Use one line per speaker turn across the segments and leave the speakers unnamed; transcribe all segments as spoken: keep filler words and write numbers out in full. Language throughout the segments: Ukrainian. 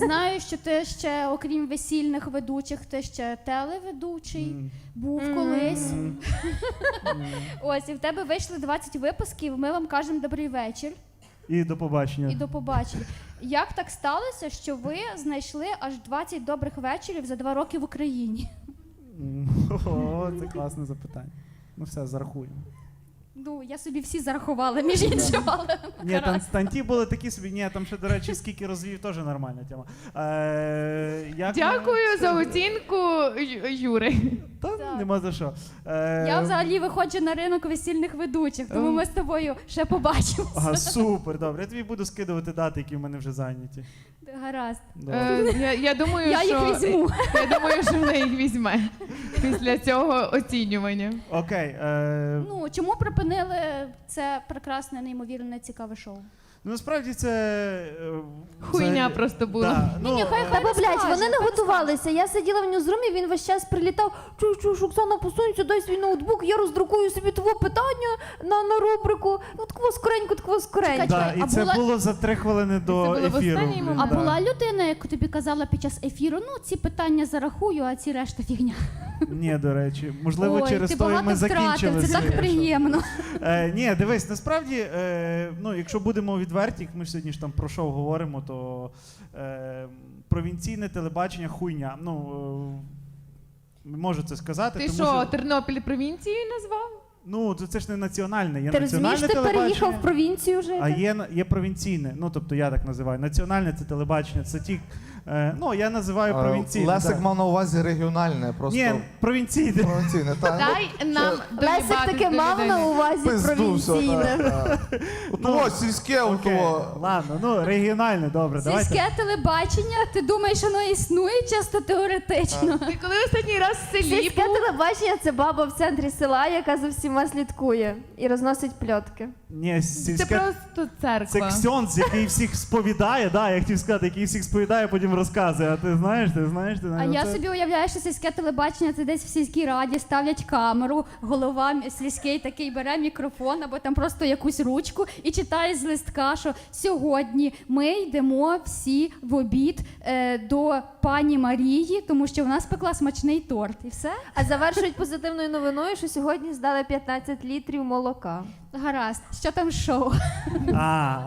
знаю, що ти ще, окрім весільних ведучих, ти ще телеведучий,
Mm.
був
Mm.
колись.
Mm.
Ось, і в тебе вийшли двадцять випусків, ми вам кажемо добрий вечір
І до побачення.
і до побачення. Як так сталося, що ви знайшли аж двадцять добрих вечорів за два роки в Україні?
М, О, це класне запитання. Ну все, зарахуємо.
Ну, я собі всі зарахувала, між іншим, але
Ні, там станті були такі собі, ні, там ще, до речі, скільки розвів, теж нормальна тема. Е, як
Дякую
ми-
за оцінку Ю- Юри.
Та
Так.
нема за що. Е,
я взагалі виходжу на ринок весільних ведучих, тому ми з тобою ще побачимося.
Ага, супер, добре. Я тобі буду скидувати дати, які в мене вже зайняті.
Гаразд.
Добре.
Е, я, я думаю,
Я
що
їх візьму.
я думаю, що вона їх візьме після цього оцінювання.
Окей. Е,
Ну, чому припинили це прекрасне, неймовірне, цікаве шоу?
ну, насправді це... е,
Хуйня
взагалі-
просто була.
Да, ну,
Ні-ні, хай-
е,
хай-
Та бо, блядь,
скаже,
вони не
хай
готувалися. Я сиділа в ньюзрумі, він весь час прилітав. Чуй, чуй, Оксана, посунься, дай свій ноутбук, я роздрукую собі твого питання на, на рубрику. Ну, такого скоренько, такого скоренько.
Да,
Чекай,
і
а
це
була-
було за три хвилини до
було в
ефіру.
останній
блін,
момент.
А
да.
була людина, яка тобі казала під час ефіру, ну, ці питання зарахую, а ці решта фігня.
Ні, до речі. Можливо,
Ой,
через
ти
то і
багато
ми закінчили.
втратив, це
це,
так
що-
приємно.
Е, ні, дивись, насправді, е, ну, якщо будемо відверті, як ми ж сьогодні ж там про шоу говоримо, то е, провінційне телебачення хуйня. Ну, е, можу це сказати.
Ти
тому
що, Тернопіль провінцією назвав?
Ну, це, це ж не національне, є
Ти розумієш,
національне
ти
телебачення.
переїхав в провінцію жити?
А є, на- є провінційне, ну тобто я так називаю. Національне це телебачення, це ті, е, ну я називаю
А,
провінційне.
Лесик
так.
мав на увазі регіональне, просто
Ні, провінційне.
провінційне. Та,
Дай нам
Лесик
доїбатись
таки
до
мав
людини.
на увазі
пизду все.
провінційне.
Того, сільське, у
Окей,
того.
ладно, ну регіональне, добре, давайте.
Сільське телебачення, ти думаєш, воно існує чисто теоретично?
Ти коли останній раз в селі
Сільське
був?
телебачення – це баба в центрі села, яка за всіма слідкує і розносить пльотки.
Ні,
Це
сільське...
просто
Це
церква.
ксьонз, який всіх сповідає, да, я хотів сказати, який всіх сповідає, потім розказує. А ти знаєш, ти знаєш, ти
А
знаєш.
я
це-
собі уявляю, що сільське телебачення це десь в сільській раді ставлять камеру, голова м- сільський такий бере мікрофон або там просто якусь ручку і читає з листка, що сьогодні ми йдемо всі в обід е, до пані Марії, тому що вона спекла смачний торт. І все?
А завершують позитивною новиною, що сьогодні здали п'ятнадцять літрів молока.
Гаразд. Що там з шоу?
А.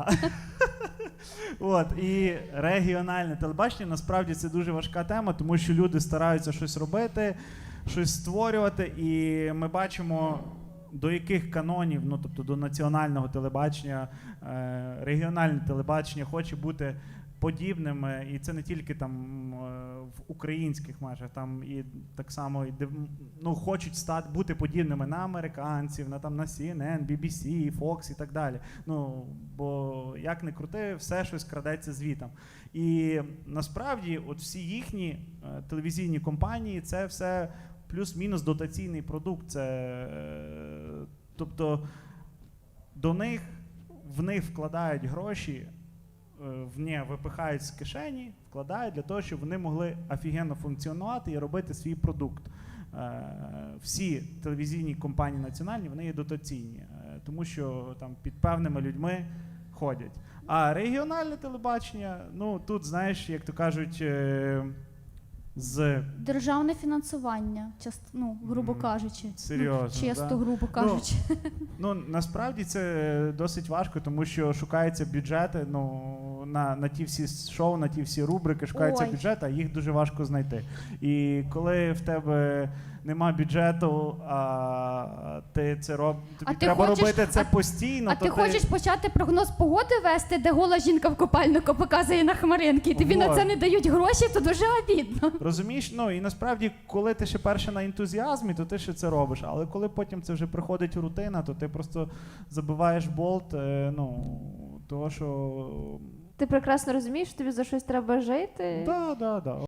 От, і регіональне телебачення, насправді це дуже важка тема, тому що люди стараються щось робити, щось створювати, і ми бачимо, до яких канонів, ну тобто до національного телебачення, е, регіональне телебачення хоче бути подібним, е, і це не тільки там е, в українських межах, там і так само і див- ну, хочуть стати бути подібними на американців, на там на Сі Ен Ен, Бі Бі Сі, Fox і так далі. Ну бо як не крути, все щось крадеться звітом. І насправді, от всі їхні е, телевізійні компанії, це все плюс-мінус дотаційний продукт. Це е, тобто до них в них вкладають гроші. В не випихають з кишені, вкладають для того, щоб вони могли офігенно функціонувати і робити свій продукт. Е, Всі телевізійні компанії національні, вони є дотаційні, е, тому що там під певними людьми ходять. А регіональне телебачення, ну тут, знаєш, як то кажуть, е, з
Державне фінансування, част, ну, грубо
Мгм.
кажучи.
Серйозно,
Ну, чисто,
да?
грубо кажучи.
Ну, насправді це досить важко, тому що шукаються бюджети, ну, на, на ті всі шоу, на ті всі рубрики, шукаються
Ой.
бюджети, а їх дуже важко знайти. І коли в тебе нема бюджету, а ти це роб... тобі
А ти
треба
хочеш-
робити це
а-
постійно,
А
то
ти хочеш почати прогноз погоди вести, де гола жінка в копальнику показує на хмаринки, і тобі на
Вот.
це не дають гроші, то дуже обідно.
Розумієш? Ну і насправді, коли ти ще перше на ентузіазмі, то ти ще це робиш. Але коли потім це вже приходить рутина, то ти просто забиваєш болт, е, ну, того, що...
Ти прекрасно розумієш, що тобі за щось треба жити.
Да, да, да.